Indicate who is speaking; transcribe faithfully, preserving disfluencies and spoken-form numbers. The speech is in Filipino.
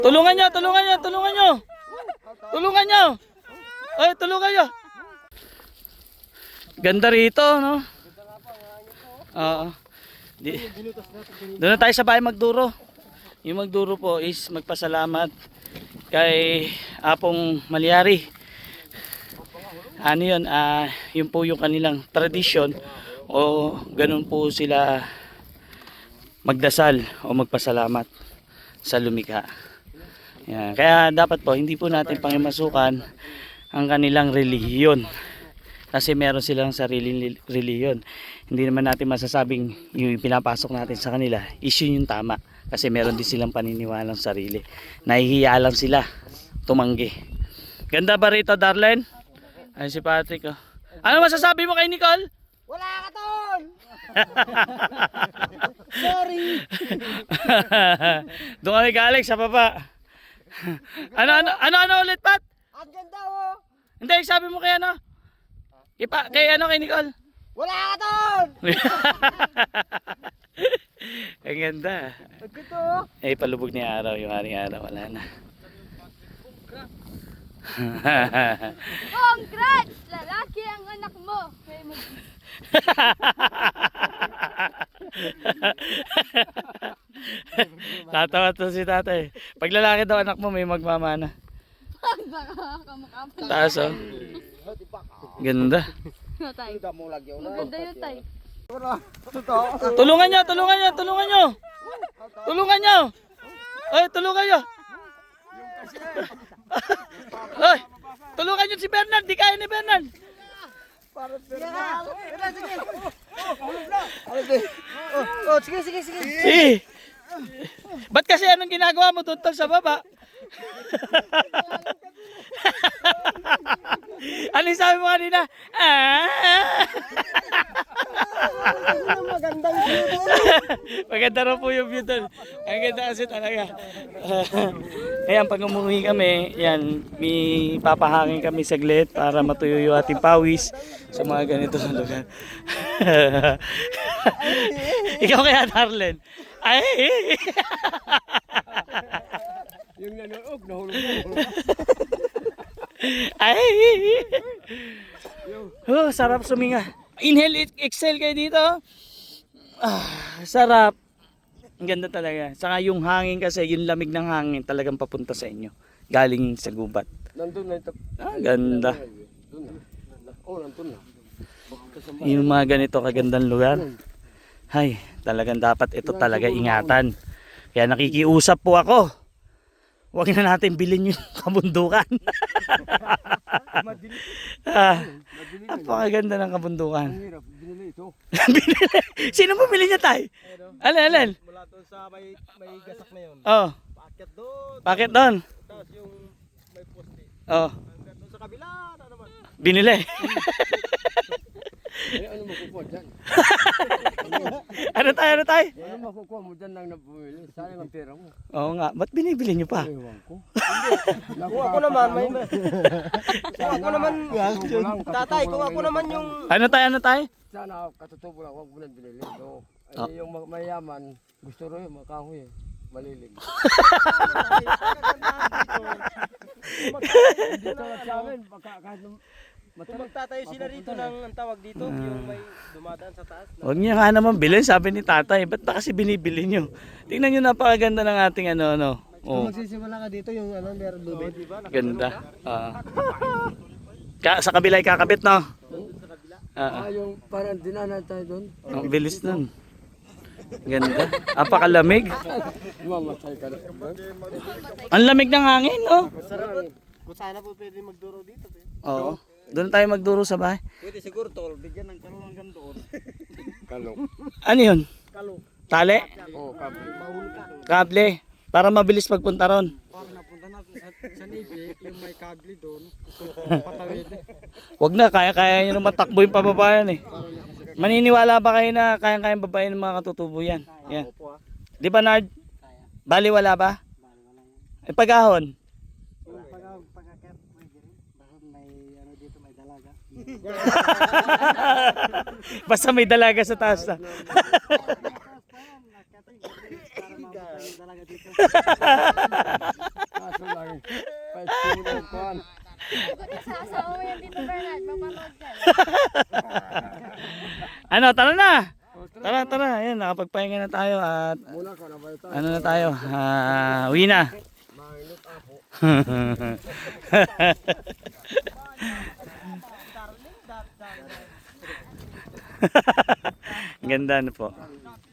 Speaker 1: Tulungan nyo, tulungan nyo, tulungan nyo. Tulungan nyo. Ay, tulungan nyo. Ganda rito, no? Oo. Di, doon na tayo sa bahay magduro. Yung magduro po is magpasalamat kay Apong Malyari. Ano yun, uh, yun po yung kanilang tradisyon o ganun po sila magdasal o magpasalamat sa lumikha. Yan. Kaya dapat po hindi po natin pangimasukan ang kanilang relihiyon kasi meron silang sariling relihiyon. Hindi naman natin masasabing yung pinapasok natin sa kanila is yun yung tama kasi meron din silang paniniwalang sarili. Nahihiya lang sila tumanggi. Ganda ba rito, Darlene? Ay si Patrick, oh. Ano masasabi mo kay Nicole?
Speaker 2: Wala ka ton! Sorry!
Speaker 1: Doon kami galing sa baba. Ano ano ano ano ulit, Pat?
Speaker 2: Ang ganda oh!
Speaker 1: Hindi, sabi mo kay ano? Ipa, kay ano kay Nicole?
Speaker 2: Wala ka ton!
Speaker 1: Ang ganda.
Speaker 2: Ang ganda oh!
Speaker 1: Eh, palubog ni araw yung aring araw. Wala na.
Speaker 3: Congrats! Lalaki ang anak mo. Kaya mag-
Speaker 1: Tatawa to si tatay. Pag lalaki daw anak mo may magmamana.
Speaker 3: Kamukha
Speaker 1: Taas oh. Ganda.
Speaker 3: tay. Maganda yun, tay.
Speaker 1: Tulungan nyo, tulungan nyo, tulungan nyo. Tulungan nyo. Ay, tulungan nyo. Ay, tulungan nyo si Bernard. Di kaya ni Bernard.
Speaker 2: Oh, sige, sige, sige.
Speaker 1: Eh. Ba't kasi anong ginagawa mo tuntol sa baba? Ano yung sabi mo kanina? Ah!
Speaker 2: Magandang view.
Speaker 1: Maganda raw po yung view doon. Ang ganda kasi talaga. Ayan, pag umuwi kami, yan, may papahangin kami saglit para matuyo yung ating pawis sa mga ganito na lugar. Ikaw kaya, Darlene? Ay!
Speaker 2: Yung nanoog, nahulog mo.
Speaker 1: Ay! Oh, sarap suminga. Inhale, exhale kayo dito. Ah, sarap. Ang ganda talaga. Saka yung hangin kasi, yung lamig ng hangin talagang papunta sa inyo. Galing sa gubat.
Speaker 2: Nandun na ito.
Speaker 1: Ah, ganda.
Speaker 2: Oh, nandun na.
Speaker 1: Yung mga ganito kagandang lugar. Hay, talagang dapat ito talaga ingatan. Kaya nakikiusap po ako. Huwag na natin bilhin yung kabundukan. ah, napakaganda ng kabundukan.
Speaker 2: Ang hirap, binili ito.
Speaker 1: Binili? Sino bumili niya tayo? Alin, alin?
Speaker 2: Mula doon sa may, may gasak na yun.
Speaker 1: Oh,
Speaker 2: Paakyat doon.
Speaker 1: bakit doon?
Speaker 2: Tapos yung may poste.
Speaker 1: Oh,
Speaker 2: Hanggang doon sa kabila na naman.
Speaker 1: binili.
Speaker 2: Eh, ano makukuha dyan?
Speaker 1: Ano tayo, ano tayo?
Speaker 2: Ano makukuha mo dyan nang nabumili? Sayang ang pera mo.
Speaker 1: Oo nga, ba't binibili niyo pa?
Speaker 2: Ewan ko. Kung ako naman, may... Kung ako naman, tatay, kung ako naman yung...
Speaker 1: Ano tayo, ano tayo?
Speaker 2: Sana katutubo lang, huwag mo nang binili. So,
Speaker 1: Oh.
Speaker 2: eh, yung ma- mayaman, gusto rin yung makahoy eh. Malilim. Dito lang sa amin, baka kahit nung...
Speaker 4: Kung magtatayo sila rito ng ang tawag dito, yung may dumadaan sa taas.
Speaker 1: Huwag niya nga naman bilhin, sabi ni tatay. Ba't ba kasi binibili niyo? Tingnan niyo, napakaganda ng ating ano, ano. Oh,
Speaker 2: Magsisimula ka dito yung ano, meron lubid.
Speaker 1: ganda. Ah. Ka sa kabila ay kakabit, no? Ah,
Speaker 2: Ah, yung parang dinanan tayo doon.
Speaker 1: ang bilis nun. Ganda. Apakalamig.
Speaker 2: Mamatay ka na.
Speaker 1: Ang lamig ng hangin, no?
Speaker 4: Kung sana po pwede magduro dito. Eh.
Speaker 1: Oo. Doon tayo magduro sa bahay.
Speaker 4: Pwede siguro tol, bigyan ng kalong hanggang doon.
Speaker 2: Kalong.
Speaker 1: Ano yun?
Speaker 4: Kalong.
Speaker 1: Tali?
Speaker 2: Oo, kabo.
Speaker 1: Kable? Para mabilis pagpunta ron.
Speaker 4: Para napunta na sa, sa Navy, yung may kable doon, patawid.
Speaker 1: Wag na, kaya-kaya nyo naman takbo yung pababayan eh. Maniniwala ba kayo na kayang-kayang babayan ng mga katutubo yan? Yan. Di ba, Nard? Bali wala ba? Eh, pag-ahon?
Speaker 4: Pagkakit, pwede rin. Bakit may ano dito, may dalaga.
Speaker 1: Basta may dalaga sa taas na.
Speaker 4: Para mapatay yung dalaga dito.
Speaker 3: yan, Tito Bernard. Mapanood ka.
Speaker 1: Ano, tara na! Tara, tara. Ayan, nakapagpahinga na tayo at ano na tayo, ah, uwi na. Ganda na po.